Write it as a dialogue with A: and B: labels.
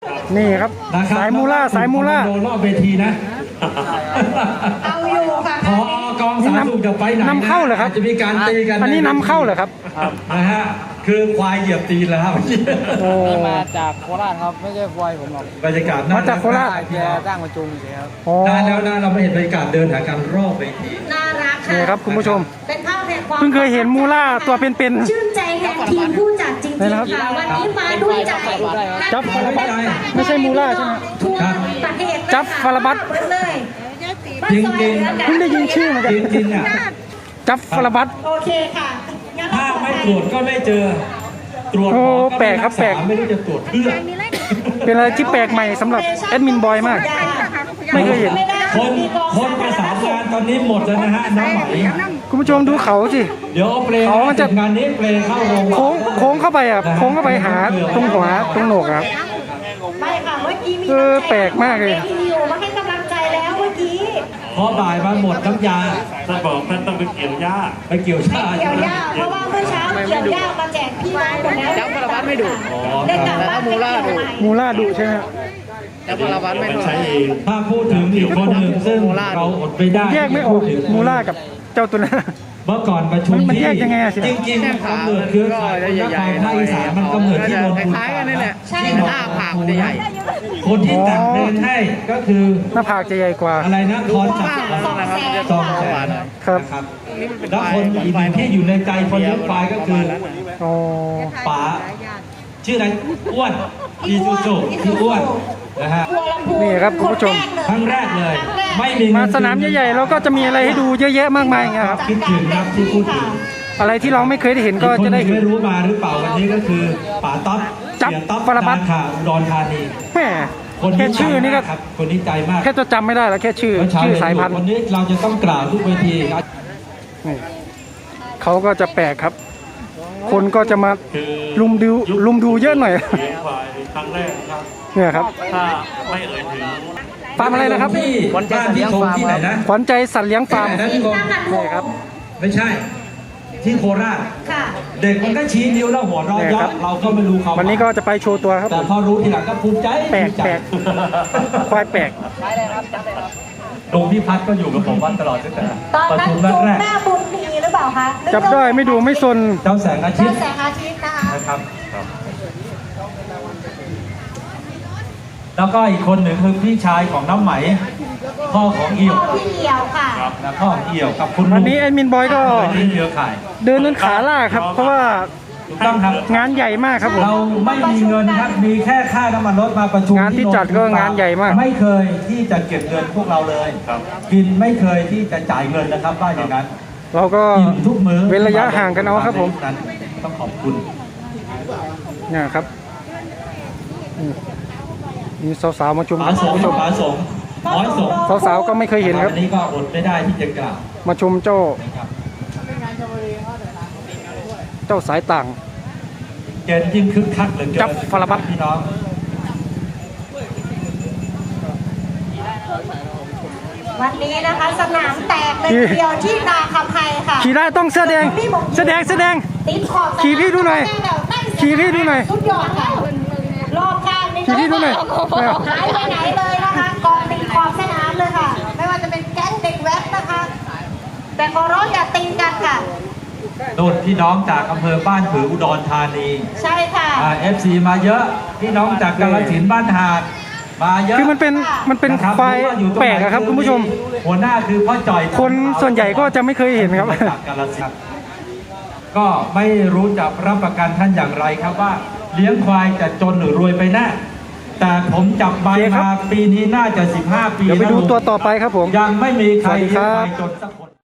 A: นี่ครับสายมูล่าสายมูล่า
B: โดนรอบเวทีนะ
C: เอาอยู่ค่ะ
B: พอกองสาธารณสุขจะไปไหน
A: นำเข้าเหรอครับ
B: จะมีการตีกัน
A: อันนี้นำเข้าเหรอครับ
B: นะฮะคือควายเหยียบตีนแล้วครับ
D: นี่มาจากโคราชครับไม่ใช่ควายผมหรอก
B: บรรยากาศ
A: มาจากโคราช
D: แกจ้างมาจูงเฉยครับ
B: นานแล้วนะเราไม่เห็นบรรยากาศเดินหากันรอบเวที
C: น่ารักค่ะ
A: นี่ครับคุณผู้ชม
C: เป็นภาพแห่งความ
A: เพิ่งเคยเห็นมูล่าตัวเป็นๆ
C: ชื่นใจแทนทีมผู้จัดจริงๆค่ะวันนี้มาด้วยใจ
A: จับฟาราบัตไม่ใช่มูล่าใช่ไหม
C: ทั่วประเทศ
A: จับฟาราบัต
C: เลย
B: จริงจริง
A: เพิ่งได้ยินชื่อเหมือนกัน
B: จริงๆอ่ะ
A: จับฟาราบัต
C: โอเคค่ะ
B: ถ้าไม่ตรวจก็ไม่เจอตรวจ
A: แปลกครับแปลก
B: ไม่รู้จะตรวจเพื่อ
A: เป็นอะไรที่แปลกใหม่สำหรับแอดมินบอยมากไม่เคยเห็น
B: คนประสานงานตอนนี้หมดแล้วนะฮะน้องไหม
A: คุณผู้ชมดูเขาสิ
B: เดี๋ยวเอาเปลเขาจะงานนี้เปลเข้าโรง
A: โค้งเข้าไปอ่ะโค้งเข้าไปหาตรงหัวตรงโหนกครับ
C: ไม่ค่ะเมื่อกี้มี
A: แปลกมากเลย
C: มาให้กำลังใจแล้วเมื่อกี้
B: พอบ่ายมาหมดน้ำยา
E: ท่านบอกท่านต้องไปเกี่ยวหญ้า
B: ไปเกี่ยวหญ้า
C: เพราะว่าเมื่อเช้าเกี่ยวหญ้ามาแจกพี่น้องหมดแล้ว
D: จับฟาราบัตไม่ดุ
C: ได้กลับบ้าน
D: มูล่าดุ
A: มูล่าดุใช่ไหม
D: จับฟาราบัตไม่ดุ
B: ถ้าพูดถึงอีกคนหนึ่งซึ่งเราอดไม่ได้
A: แยกไม่ออกมูล่ากับเจ้าตัวนั้น
B: เมื่อก่อนประชุม
A: มันแยกยังไง
B: จริงๆกำเนิดคือภาคอีสานมันกำเนิดที่นนทบุรี
D: คล้ายกันนี่แหละ
C: ใช่
D: หน้าผากมันจะใหญ่
B: คนที่แต่งเพลงให้ก็คือ
A: หน้าผากจะใหญ่กว่า
B: อะไรนะคอนจับ
A: 200,000ครับ
B: แล้วคนอีกหนึ่งที่อยู่ในใจคนเลี้ยงควายก็คือป๋าชื่ออะไรอ้วนอีซูซูที่อ้วนนะฮะ
A: นี่ครับคุณผู้ชม
B: ครั้งแรกเลยไม่มี
A: มาสนามใหญ่ๆเราก็จะมีอะไรให้ดูเยอะแยะมากมายครับ
B: คิดถึงครับที่พูดถึง
A: อะไรที่เราไม่เคยได้เห็นก็จะได้เห็น
B: ไม่รู้มาหรือเปล่าวันนี้ก็คือป๋าต๊อบ
A: จับฟาราบัต
B: ค่ะอุดรธานี
A: แม่แค่ชื่อนี่ก็
B: คนนี้ใจมาก
A: แค่จะจำไม่ได้แล้วแค่ชื่อสายพันธุ์
B: วันนี้เราจะต้องกล่าวทุกเวที
A: เขาก็จะแปลกครับคนก็จะมาลุมดูเยอะหน่อย
E: ครั้งแรกครับ
A: เนี่ยครับ
E: ถ้าไม่เอ่ยถึง
A: ฟาร์มอะไรนะครับ
B: ขวัญใจสัตว์เลี้ยงฟาร์มที่ไหนนะ
A: ขวัญใจสัตว์เลี้ยงฟาร์ม
B: นี่ครับไม่ใช่ที่โคราชเด็กมันก็ชี้นิ้วแล้วหัวเราะเยาะเราก็ไม่รู้เขา
A: วันนี้ก็จะไปโชว์ตัวครับ
B: แต่พอรู้ทีหลังก็ภูมิใจ
A: แปลกควายแปลก
B: หลวงพี่พัฒน์ก็อยู่กับผมวันตลอดตั้งแต่
C: ประชุมแรกแม่บุญมีหรือเปล่าคะ
A: จับได้ไม่ดูไม่ซน
B: เจ้าแสงอาทิตย์
C: นะครับ
B: แล้วก็อีกคนหนึ่งคือพี่ชายของน้ำไหมพ่อของเอี่ยว
C: พี่เอี่ยวค่ะ
B: แล้วพ่อเอี่ยวกับคุณ
A: วันนี้แอดมินบอยก็เดินขาล่าครับเพราะว่า
B: ต้องครับ
A: งานใหญ่มากครับผม
B: เราไม่มีเงินครับมีแค่ค่าน้ำมันรถมาประชุม
A: งานที่จัดก็งานใหญ่มาก
B: ไม่เคยที่จะเก็บเงินพวกเราเลยกินไม่เคยที่จะจ่ายเงินนะครับว่าอย่างนั้น
A: เราก็
B: ทุกมื้อ
A: เว้นระยะห่างกันเอาครับผม
B: ต้องขอบคุณ
A: เนี่ยครับมีสาวๆมาชม
B: ผู้ชม
A: สาวๆก็ไม่เคยเห็นครับ
B: วันนี้ก็อดไม่ได้ที่จะกล่าว
A: มาชมเจ้าสายต่าง
B: เกณฑ์ยิ่งคึกคักเหลือเกิน
A: จับฟาราบัต
B: พี่น้อง
C: วันนี้นะคะสนามแตกเลยเดียวที่นาคำไพค่ะ
A: ขี่ได้ต้องเสื้อแดง
C: ติดขอบ
A: ขี่พี่ดูหน่อยขี่พี่ดูหน่อย
C: สุดยอดค่ะรอบข้างนี่
A: ขี่พี่ดูหน่อย
C: หายไปไหนเลยนะคะกองตีขอบสนามเลยค่ะไม่ว่าจะเป็นแก๊งเด็กแว้นนะคะแต่ขอร้องอย่าตีกันค่ะ
B: โดดพี่น้องจากอำเภอบ้านผืออุดรธานี
C: ใช่ค่ะ
B: FC มาเยอะพี่น้องจากกาฬสินธุ์บ้านหาดมาเยอะ
A: คือมันเป็นควายแปลกครับคุณผู้ชม
B: หัวหน้าคือพ่อจ่อย
A: คนส่วนใหญ่ก็จะไม่เคยเห็นครับ
B: จากกาฬสินธุ์ก็ไม่รู้จะรับประกันท่านอย่างไรครับว่าเลี้ยงควายจะจนหรือรวยไปแน่แต่ผมจับใบมาปีนี้น่าจะ15 ปี
A: เดี๋ยวไปดูตัวต่อไปครับผม
B: ยังไม่มีใครเลี้ยงควายจนสักคน